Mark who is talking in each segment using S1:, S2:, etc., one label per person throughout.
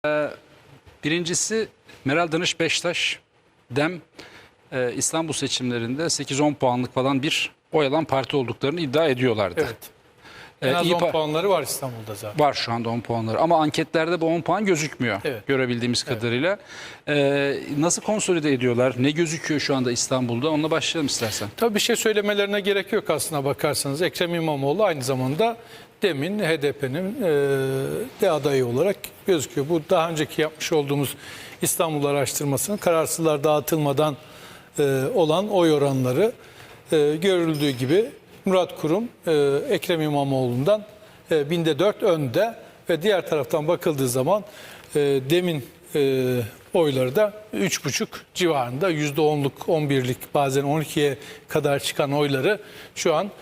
S1: Birincisi Meral Danış Beştaş, DEM İstanbul seçimlerinde 8-10 puanlık falan bir oy alan parti olduklarını iddia ediyorlardı.
S2: Evet. En az 10 puanları var İstanbul'da zaten.
S1: Var şu anda 10 puanları ama anketlerde bu 10 puan gözükmüyor,
S2: evet,
S1: görebildiğimiz kadarıyla. Nasıl konsolide ediyorlar? Ne gözüküyor şu anda İstanbul'da? Onunla başlayalım istersen.
S2: Tabii bir şey söylemelerine gerek yok aslına bakarsanız. Ekrem İmamoğlu aynı zamanda DEM'in, HDP'nin de adayı olarak gözüküyor. Bu daha önceki yapmış olduğumuz İstanbul araştırmasının kararsızlar dağıtılmadan olan oy oranları görüldüğü gibi Murat Kurum Ekrem İmamoğlu'ndan binde 4 önde ve diğer taraftan bakıldığı zaman DEM'in oyları da 3,5 civarında, %10'luk, 11'lik, bazen 12'ye kadar çıkan oyları şu an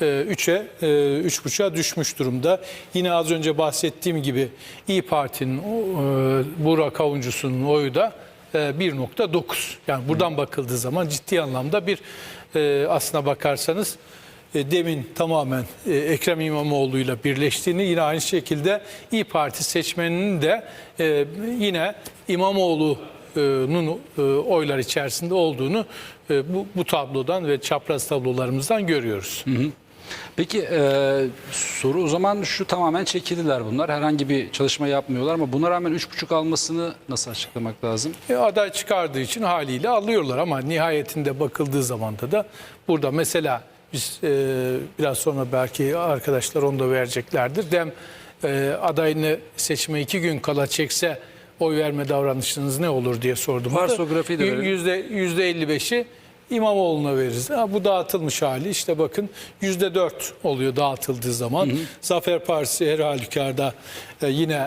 S2: 3,5'a düşmüş durumda. Yine az önce bahsettiğim gibi İYİ Parti'nin Burak Avuncusu'nun oyu da 1,9. Yani buradan bakıldığı zaman ciddi anlamda bir aslına bakarsanız DEM'in tamamen Ekrem İmamoğlu'yla birleştiğini, yine aynı şekilde İYİ Parti seçmeninin de yine İmamoğlu'nun oylar içerisinde olduğunu bu tablodan ve çapraz tablolarımızdan görüyoruz. Hı hı.
S1: Peki soru o zaman şu: tamamen çekildiler bunlar. Herhangi bir çalışma yapmıyorlar ama buna rağmen 3,5 almasını nasıl açıklamak lazım?
S2: Aday çıkardığı için haliyle alıyorlar ama nihayetinde bakıldığı zaman da burada mesela biz biraz sonra belki arkadaşlar onu da vereceklerdir. DEM adayını seçime 2 gün kala çekse oy verme davranışınız ne olur diye sordum.
S1: Varsografiyi de verelim.
S2: %55'i İmamoğlu'na veririz. Bu dağıtılmış hali. İşte bakın %4 oluyor dağıtıldığı zaman. Hı hı. Zafer Partisi her halükarda yine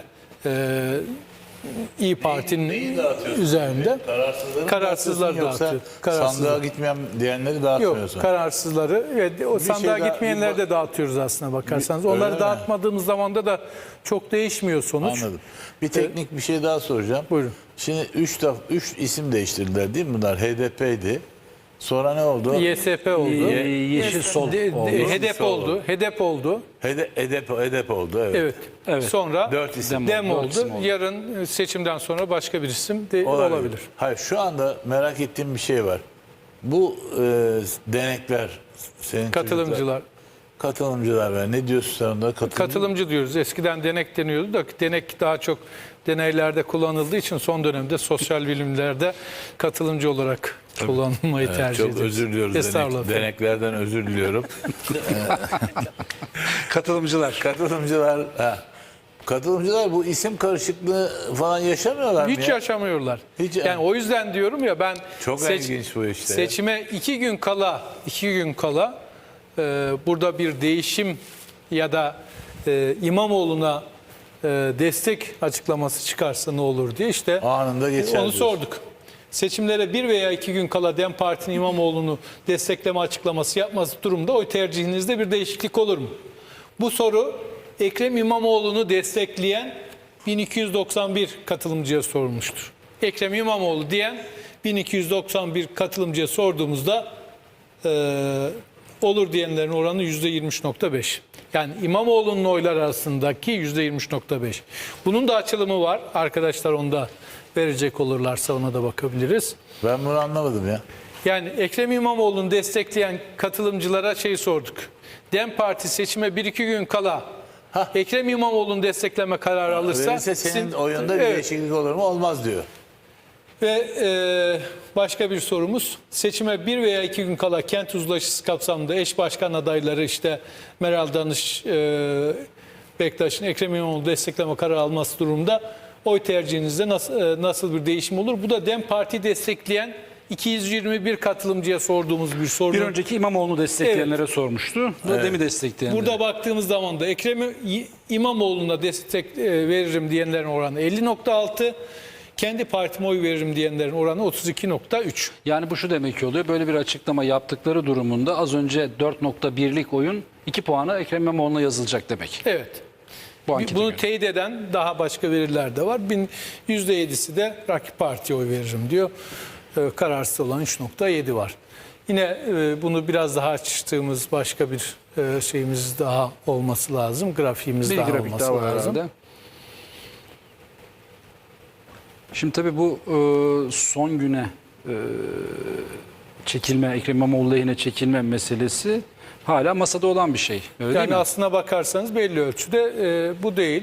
S2: İYİ Parti'nin üzerinde kararsızları dağıtıyor.
S3: Sandığa gitmeyen diyenleri dağıtmıyorsun.
S2: Yok, kararsızları ve o sandığa gitmeyenleri de dağıtıyoruz aslına bakarsanız. Onları dağıtmadığımız zaman da çok değişmiyor sonuç.
S3: Anladım. Bir teknik bir şey daha soracağım.
S2: Buyurun.
S3: Şimdi 3 isim değiştirdiler değil mi bunlar? HDP'ydi. Sonra ne oldu?
S2: YSP oldu.
S1: Yeşil Sol oldu.
S2: HDP oldu. HDP oldu.
S3: HDP oldu. Evet.
S2: Evet. Sonra
S3: 4 isim
S2: DEM oldu.
S1: isim oldu.
S2: Yarın seçimden sonra başka bir isim de olabilir.
S3: Hayır, şu anda merak ettiğim bir şey var. Bu denekler, senin katılımcılar var. Ne diyorsun sen onlara?
S2: Katılımcı diyoruz. Eskiden denek deniyordu da denek daha çok deneylerde kullanıldığı için son dönemde sosyal bilimlerde katılımcı olarak kullanılmayı tercih ediyoruz.
S3: Çok özür diliyoruz. Deneklerden özür diliyorum. Katılımcılar. Katılımcılar bu isim karışıklığı falan yaşamıyorlar mı?
S2: Hiç yaşamıyorlar. Yani o yüzden diyorum ya, ben
S3: çok ilginç bu işte.
S2: Seçime 2 gün kala burada bir değişim ya da İmamoğlu'na destek açıklaması çıkarsa ne olur diye işte
S3: anında geçer.
S2: Onu sorduk. Seçimlere 1 veya 2 gün kala DEM Parti'nin İmamoğlu'nu destekleme açıklaması yapması durumda oy tercihinizde bir değişiklik olur mu? Bu soru Ekrem İmamoğlu'nu destekleyen 1291 katılımcıya sorulmuştur. Ekrem İmamoğlu diyen 1291 katılımcıya sorduğumuzda olur diyenlerin oranı %23,5. Yani İmamoğlu'nun oylar arasındaki %23,5. Bunun da açılımı var. Arkadaşlar onu da verecek olurlarsa ona da bakabiliriz.
S3: Ben bunu anlamadım ya.
S2: Yani Ekrem İmamoğlu'nu destekleyen katılımcılara sorduk. DEM Parti seçime 1-2 gün kala Ekrem İmamoğlu'nu destekleme kararı alırsa
S3: verirse senin oyunda bir değişiklik olur mu? Olmaz diyor.
S2: Ve başka bir sorumuz, seçime 1 veya 2 gün kala kent uzlaşısı kapsamında eş başkan adayları işte Meral Danış Bektaş'ın Ekrem İmamoğlu destekleme kararı alması durumunda oy tercihinizde nasıl bir değişim olur? Bu da DEM Parti destekleyen 221 katılımcıya sorduğumuz bir soru.
S1: Bir önceki İmamoğlu'nu destekleyenlere sormuştu. Bu DEM'i destekleyenlere.
S2: Burada baktığımız zaman da Ekrem İmamoğlu'na destek veririm diyenlerin oranı 50,6. Kendi partime oy veririm diyenlerin oranı 32,3.
S1: Yani bu şu demek oluyor: böyle bir açıklama yaptıkları durumunda az önce 4,1'lik oyun 2 puana Ekrem İmamoğlu'na yazılacak demek.
S2: Evet.
S1: Bunu
S2: göre teyit eden daha başka veriler de var. %7'si de rakip partiye oy veririm diyor. Kararsız olan 3,7 var. Yine bunu biraz daha açtığımız başka bir şeyimiz daha olması lazım. Grafiğimiz daha olması lazım. Herhalde.
S1: Şimdi tabii bu son güne çekilme, Ekrem İmamoğlu lehine çekilme meselesi hala masada olan bir şey. Öyle değil
S2: Yani
S1: mi?
S2: aslına bakarsanız belli ölçüde bu değil.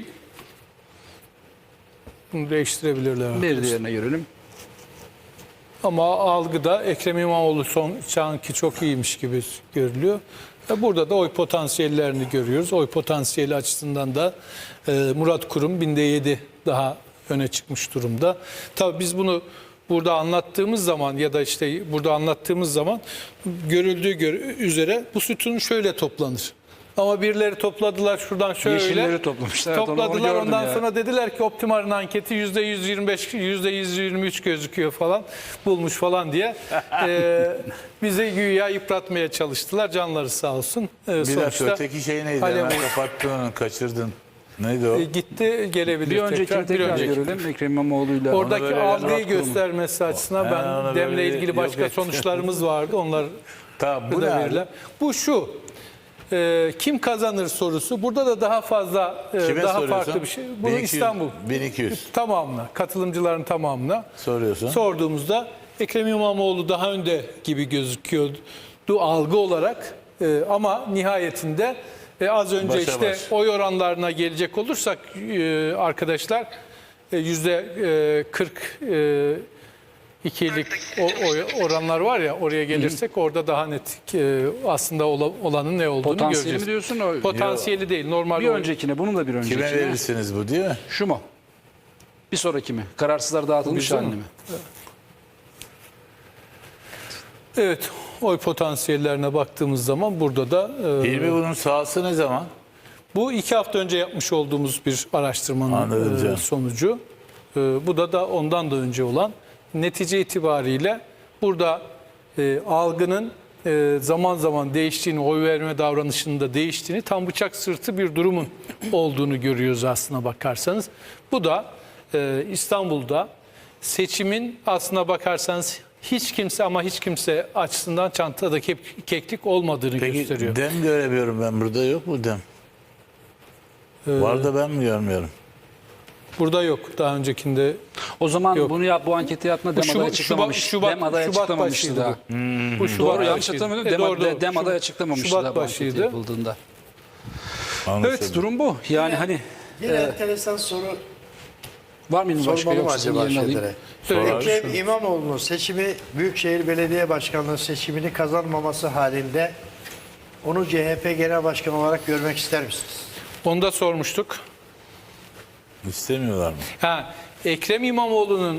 S2: Bunu değiştirebilirler.
S1: Bir diğerine görelim.
S2: Ama algıda Ekrem İmamoğlu şu anki çok iyiymiş gibi görülüyor. Burada da oy potansiyellerini görüyoruz. Oy potansiyeli açısından da Murat Kurum binde 7 daha öne çıkmış durumda. Tabii biz bunu burada anlattığımız zaman ya da işte burada anlattığımız zaman görüldüğü üzere bu sütun şöyle toplanır. Ama birileri topladılar şuradan şöyle.
S1: Yeşilleri toplamışlar. Evet, onu
S2: Topladılar
S1: gördüm
S2: ondan
S1: ya.
S2: sonra dediler ki Optimar'ın anketi %125, %123 gözüküyor falan bulmuş falan diye bizi güya yıpratmaya çalıştılar. Canları sağ olsun.
S3: Bir dakika öteki şey neydi?
S2: Alev-
S3: Hemen kapattın onu, kaçırdın. Neydi o?
S2: Gitti gelebilir
S1: Bir öncekini tekrar görelim. Ekrem İmamoğlu'yla.
S2: Oradaki
S3: böyle
S2: algıyı
S1: Murat Kurum.
S2: göstermesi açısından
S3: ona
S2: ben demle
S3: böyle
S2: ilgili
S3: yok
S2: başka
S3: et.
S2: sonuçlarımız vardı. Onlar
S3: Tamam, bu ne
S2: da
S3: abi?
S2: verirler. Bu şu. Kim kazanır sorusu. Burada da daha fazla
S3: Kime
S2: daha
S3: soruyorsun?
S2: farklı bir şey. Bunu
S3: 1200,
S2: İstanbul
S3: 1200
S2: tamamına, katılımcıların tamamına
S3: soruyorsun.
S2: sorduğumuzda Ekrem İmamoğlu daha önde gibi gözüküyordu algı olarak. Ama nihayetinde az önce
S3: Başa
S2: işte
S3: baş.
S2: oy oranlarına gelecek olursak arkadaşlar %40 ikilik oranlar var ya, oraya gelirsek orada daha net aslında olanın ne olduğunu
S1: Potansiyeli
S2: göreceğiz.
S1: mi diyorsun? O,
S2: Potansiyeli değil, normal
S1: bir öncekine, bunun da bir öncekine.
S3: Kime verirsiniz bu değil mi?
S1: Şu mu? Bir sonraki mi? Kararsızlar dağıtılmış
S2: Bizim
S1: halini
S2: mi?
S1: mi?
S2: Evet, oy potansiyellerine baktığımız zaman burada da
S3: Hilmi bunun sahası ne zaman?
S2: bu 2 hafta önce yapmış olduğumuz bir araştırmanın
S3: Anladım canım.
S2: sonucu. Bu da ondan da önce olan. Netice itibariyle burada algının zaman zaman değiştiğini, oy verme davranışında değiştiğini, tam bıçak sırtı bir durumun olduğunu görüyoruz aslına bakarsanız. Bu da İstanbul'da seçimin aslına bakarsanız hiç kimse açısından çantada keklik olmadığını gösteriyor.
S3: Dem göremiyorum ben burada, yok mu dem? Var da ben mi görmüyorum?
S2: Burada yok. Daha öncekinde
S1: O zaman
S2: Yok.
S1: bunu bu anketi yapma dem aday açıklamamış. Dem aday açıklamamıştı daha.
S2: bu Şubat
S1: Doğru, yanlış
S2: başıydı.
S1: hatırlamıyorum.
S2: Doğru.
S1: Dem aday açıklamamıştı
S2: Şubat
S1: daha bu anketi
S2: başıydı.
S1: yapıldığında.
S3: Anlaşıldı.
S1: Evet, durum bu. Yani hani
S4: Bir enteresan soru
S1: var mı başka,
S4: sormalı mı
S1: yoksa senin
S4: acaba
S1: yerini alayım?
S4: şeylere?
S2: Söyle.
S4: Ekrem İmamoğlu'nun seçimi Büyükşehir Belediye Başkanlığı seçimini kazanmaması halinde onu CHP Genel Başkanı olarak görmek ister misiniz?
S2: Onu da sormuştuk.
S3: İstemiyorlar mı?
S2: Ekrem İmamoğlu'nun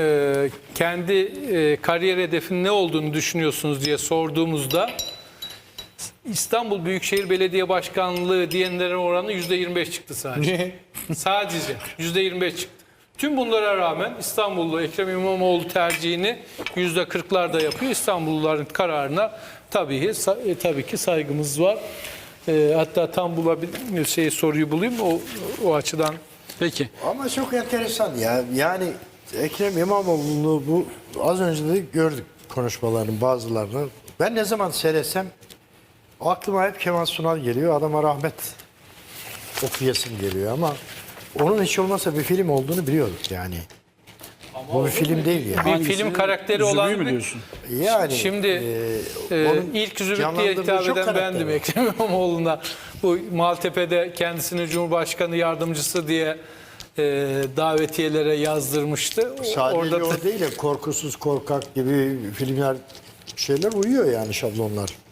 S2: kendi kariyer hedefinin ne olduğunu düşünüyorsunuz diye sorduğumuzda İstanbul Büyükşehir Belediye Başkanlığı diyenlerin oranı %25 çıktı sadece. Sadece %25 çıktı. Tüm bunlara rağmen İstanbullu Ekrem İmamoğlu tercihini %40'larda yapıyor. İstanbulluların kararına tabii ki saygımız var. Hatta tam soruyu bulayım o açıdan.
S1: Peki.
S4: Ama çok enteresan ya. Yani Ekrem İmamoğlu'nu bu az önce de gördük konuşmalarının bazılarını. Ben ne zaman seyretsem aklıma hep Kemal Sunal geliyor. Adama rahmet okuyasım geliyor ama onun hiç olmazsa bir film olduğunu biliyorduk yani. Bu bir film değil yani.
S2: Bir
S1: Hangisi?
S2: film karakteri
S1: Zübüyü
S2: olan
S1: mü
S2: bir-
S1: diyorsun?
S4: Yani
S2: Şimdi
S4: onun
S2: ilk Zübük diye
S4: canlandırdığı
S2: hitap
S4: çok
S2: eden
S4: karakter
S2: bendim
S4: var.
S2: Ekrem İmamoğlu'na. Bu Maltepe'de kendisini Cumhurbaşkanı yardımcısı diye davetiyelere yazdırmıştı.
S4: Sadece o değil de korkusuz korkak gibi filmler şeyler uyuyor yani şablonlar.